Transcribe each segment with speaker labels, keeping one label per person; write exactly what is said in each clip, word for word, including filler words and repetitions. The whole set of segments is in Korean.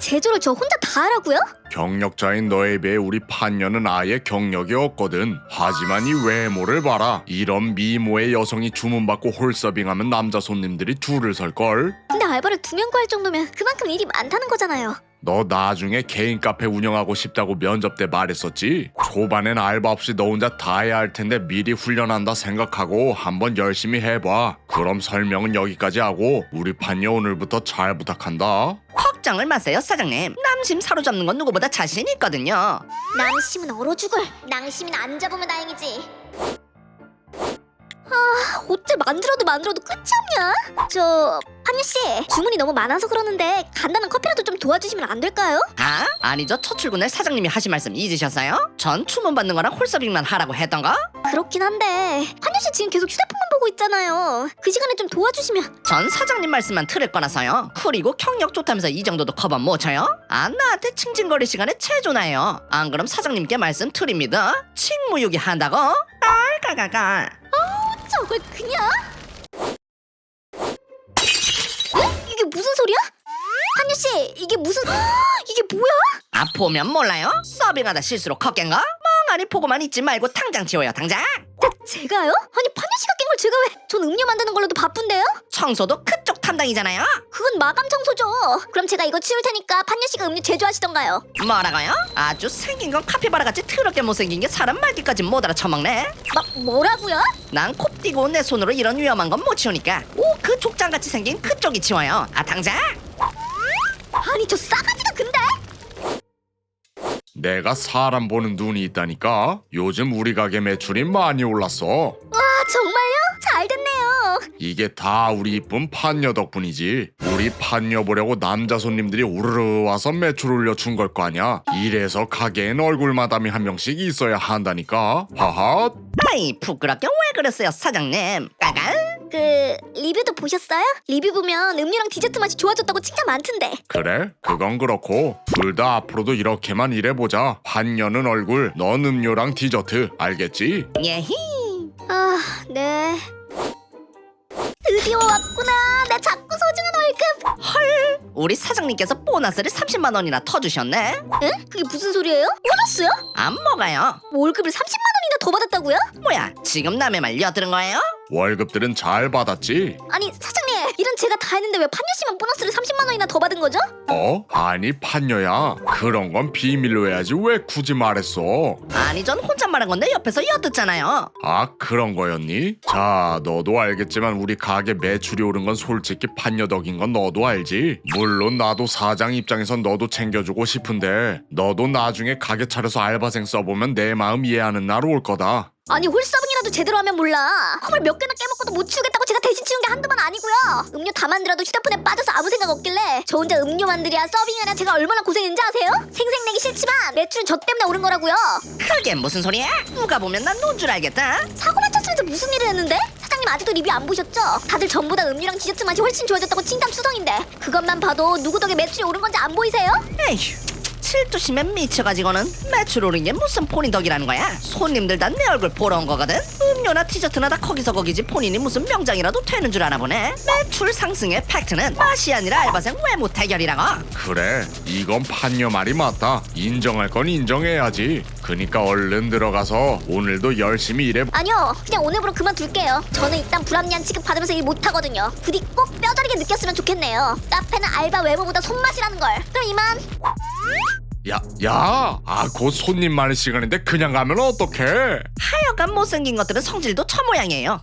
Speaker 1: 제조를 저 혼자 다 하라고요?
Speaker 2: 경력자인 너에 비해 우리 판녀는 아예 경력이 없거든. 하지만 이 외모를 봐라. 이런 미모의 여성이 주문받고 홀서빙하면 남자 손님들이 줄을 설걸.
Speaker 1: 근데 알바를 두 명 구할 정도면 그만큼 일이 많다는 거잖아요.
Speaker 2: 너 나중에 개인 카페 운영하고 싶다고 면접 때 말했었지? 초반엔 알바 없이 너 혼자 다 해야 할 텐데 미리 훈련한다 생각하고 한번 열심히 해봐. 그럼 설명은 여기까지 하고 우리 판녀 오늘부터 잘 부탁한다.
Speaker 3: 걱정을 마세요, 사장님. 남심 사로잡는 건 누구보다 자신 있거든요.
Speaker 1: 남심은 얼어 죽을. 낭심은 안 잡으면 다행이지. 아, 어째 만들어도 만들어도 끝이 없냐? 저 판유 씨, 주문이 너무 많아서 그러는데 간단한 커피라도 좀 도와주시면 안 될까요?
Speaker 3: 아? 아니죠. 첫 출근에 사장님이 하신 말씀 잊으셨어요? 전 주문 받는 거랑 홀서빙만 하라고 했던 거?
Speaker 1: 그렇긴 한데 판유 씨 지금 계속 휴대폰만 보고 있잖아요. 그 시간에 좀 도와주시면.
Speaker 3: 전 사장님 말씀만 들을 거라서요. 그리고 경력 좋다면서 이 정도도 커버 못 쳐요? 아, 나한테 칭칭거릴 시간에 체조나요. 안 그럼 사장님께 말씀 드립니다. 칭무유기 한다고? 깔깔깔깔.
Speaker 1: 저걸 그냥? 에? 이게 무슨 소리야? 한유 씨, 이게 무슨... 이게 뭐야?
Speaker 3: 아, 보면 몰라요? 서빙하다 실수로 컷깬 거? 멍하니 보고만 있지 말고 당장 지워요, 당장!
Speaker 1: 제, 제가요? 아니 판유 씨가 깬 걸 제가 왜? 전 음료 만드는 걸로도 바쁜데요?
Speaker 3: 청소도 그쪽 담당이잖아요?
Speaker 1: 그건 마감 청소죠. 그럼 제가 이거 치울 테니까 판유 씨가 음료 제조하시던가요.
Speaker 3: 뭐라고요? 아주 생긴 건 카피바라같이 더럽게 못생긴 게 사람 말귀까지 못 알아쳐먹네.
Speaker 1: 막 뭐라고요?
Speaker 3: 난 콥디고 내 손으로 이런 위험한 건 못 치우니까 오, 그 족장같이 생긴 그쪽이 치워요. 아, 당장!
Speaker 1: 아니 저 싸가지가 근데?
Speaker 2: 내가 사람 보는 눈이 있다니까. 요즘 우리 가게 매출이 많이 올랐어.
Speaker 1: 와 정말요? 잘 됐네요.
Speaker 2: 이게 다 우리 이쁜 판녀 덕분이지. 우리 판녀 보려고 남자 손님들이 우르르 와서 매출 올려준 걸 거 아냐. 이래서 가게엔 얼굴 마담이 한 명씩 있어야 한다니까. 하하.
Speaker 3: 아이, 부끄럽게 왜 그랬어요, 사장님? 까갈?
Speaker 1: 그 리뷰도 보셨어요? 리뷰 보면 음료랑 디저트 맛이 좋아졌다고 칭찬 많던데.
Speaker 2: 그래? 그건 그렇고 둘 다 앞으로도 이렇게만 일해보자. 판녀는 얼굴, 넌 음료랑 디저트. 알겠지?
Speaker 3: 예히.
Speaker 1: 아 네. 드디어 왔구나. 내 작고 소중한 월급.
Speaker 3: 우리 사장님께서 보너스를 삼십만 원이나 터주셨네?
Speaker 1: 에? 그게 무슨 소리예요? 보너스요?
Speaker 3: 안 먹어요.
Speaker 1: 월급을 삼십만 원이나 더 받았다고요?
Speaker 3: 뭐야, 지금 남의 말 엿들은 거예요?
Speaker 2: 월급들은 잘 받았지?
Speaker 1: 아니 사장님, 일은 제가 다 했는데 왜 판유 씨만 보너스를 삼십만 원이나 더 받은 거죠?
Speaker 2: 어? 아니 판녀야. 그런 건 비밀로 해야지 왜 굳이 말했어?
Speaker 3: 아니, 전 혼잣말한 건데 옆에서 엿듣잖아요.
Speaker 2: 아 그런 거였니? 자 너도 알겠지만 우리 가게 매출이 오른 건 솔직히 판녀 덕인 건 너도 알지? 물론 나도 사장 입장에선 너도 챙겨주고 싶은데 너도 나중에 가게 차려서 알바생 써보면 내 마음 이해하는 날 올 거다.
Speaker 1: 아니 홀서빙이라도 제대로 하면 몰라. 컵을 몇 개나 깨먹고도 못 치우겠다고 제가 대신 치운 게 한두 번 아니고요. 음료 다 만들어도 휴대폰에 빠져서 아무 생각 없길래 저 혼자 음료 만들이야 서빙하랴 제가 얼마나 고생했는지 아세요? 생색내기 싫지만 매출은 저 때문에 오른 거라고요.
Speaker 3: 그게 무슨 소리야? 누가 보면 난 논 줄 알겠다.
Speaker 1: 사고만 쳤으면서 무슨 일을 했는데? 사장님 아직도 리뷰 안 보셨죠? 다들 전부 다 음료랑 디저트 맛이 훨씬 좋아졌다고 칭찬 수성인데 그것만 봐도 누구 덕에 매출이 오른 건지 안 보이세요?
Speaker 3: 에휴, 칠두심에 미쳐가지고는 매출 오른 게 무슨 본인 덕이라는 거야? 손님들 다 내 얼굴 보러 온 거거든? 음료나 디저트나 다 거기서 거기지 본인이 무슨 명장이라도 되는 줄 아나 보네. 매출 상승의 팩트는 맛이 아니라 알바생 외모 대결이라고.
Speaker 2: 그래 이건 판녀 말이 맞다. 인정할 건 인정해야지. 그니까 얼른 들어가서 오늘도 열심히 일해.
Speaker 1: 아니요 그냥 오늘부로 그만둘게요. 저는 일단 불합리한 취급 받으면서 일 못하거든요. 부디 꼭 뼈저리게 느꼈으면 좋겠네요. 카페는 알바 외모보다 손맛이라는 걸. 그럼 이만.
Speaker 2: 야, 야, 아, 곧 손님 많은 시간인데 그냥 가면 어떡해?
Speaker 3: 하여간 못생긴 것들은 성질도 저 모양이에요.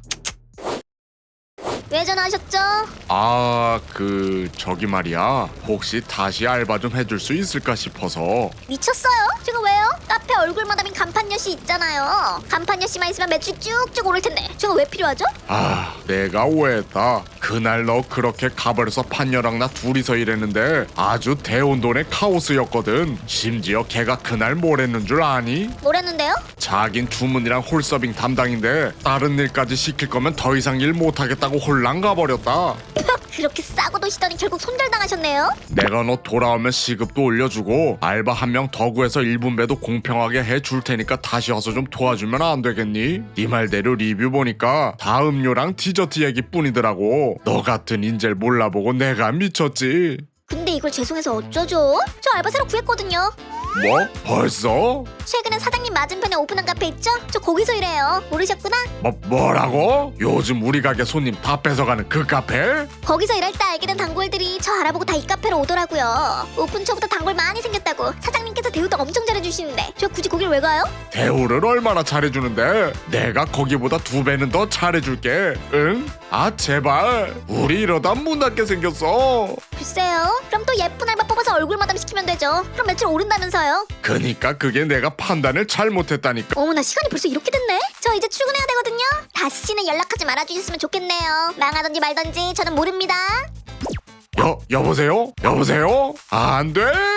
Speaker 1: 왜 전화하셨죠?
Speaker 2: 아, 그 저기 말이야. 혹시 다시 알바 좀 해줄 수 있을까 싶어서.
Speaker 1: 미쳤어요? 제가 왜요? 카페 얼굴 마담인 간판녀 씨 있잖아요. 간판녀 씨만 있으면 매출 쭉쭉 오를 텐데 제가 왜 필요하죠?
Speaker 2: 아, 내가 오해했다. 그날 너 그렇게 가버려서 판녀랑 나 둘이서 일했는데 아주 대혼돈의 카오스였거든. 심지어 걔가 그날 뭘 했는 줄 아니?
Speaker 1: 뭐랬는데요?
Speaker 2: 자긴 주문이랑 홀서빙 담당인데 다른 일까지 시킬 거면 더 이상 일 못하겠다고 홀랑 가버렸다.
Speaker 1: 그렇게 싸고 도시더니 결국 손절당하셨네요.
Speaker 2: 내가 너 돌아오면 시급도 올려주고 알바 한 명 더 구해서 일 분배도 공평하게 해줄 테니까 다시 와서 좀 도와주면 안 되겠니? 네 말대로 리뷰 보니까 다 음료랑 디저트 얘기뿐이더라고. 너 같은 인재를 몰라보고 내가 미쳤지.
Speaker 1: 근데 이걸 죄송해서 어쩌죠? 저 알바 새로 구했거든요.
Speaker 2: 뭐? 벌써?
Speaker 1: 최근에 사장님 맞은편에 오픈한 카페 있죠? 저 거기서 일해요. 모르셨구나?
Speaker 2: 뭐, 뭐라고? 요즘 우리 가게 손님 다 뺏어가는 그 카페?
Speaker 1: 거기서 일할 때 알게 된 단골들이 저 알아보고 다 이 카페로 오더라고요. 오픈 초부터 단골 많이 생겼다고 사장님께서 대우도 엄청 잘해주시는데 저 굳이 거길 왜 가요?
Speaker 2: 대우를 얼마나 잘해주는데 내가 거기보다 두 배는 더 잘해줄게. 응? 아 제발 우리 이러다 문 닫게 생겼어.
Speaker 1: 글쎄요. 그럼 또 예쁜 알바 뽑아서 얼굴 마담 시키면 되죠. 그럼 매출 오른다면서요.
Speaker 2: 그니까 그게 내가 판단을 잘못했다니까.
Speaker 1: 어머나 시간이 벌써 이렇게 됐네. 저 이제 출근해야 되거든요. 다시는 연락하지 말아주셨으면 좋겠네요. 망하던지 말던지 저는 모릅니다.
Speaker 2: 여, 여보세요? 여보세요? 안 돼!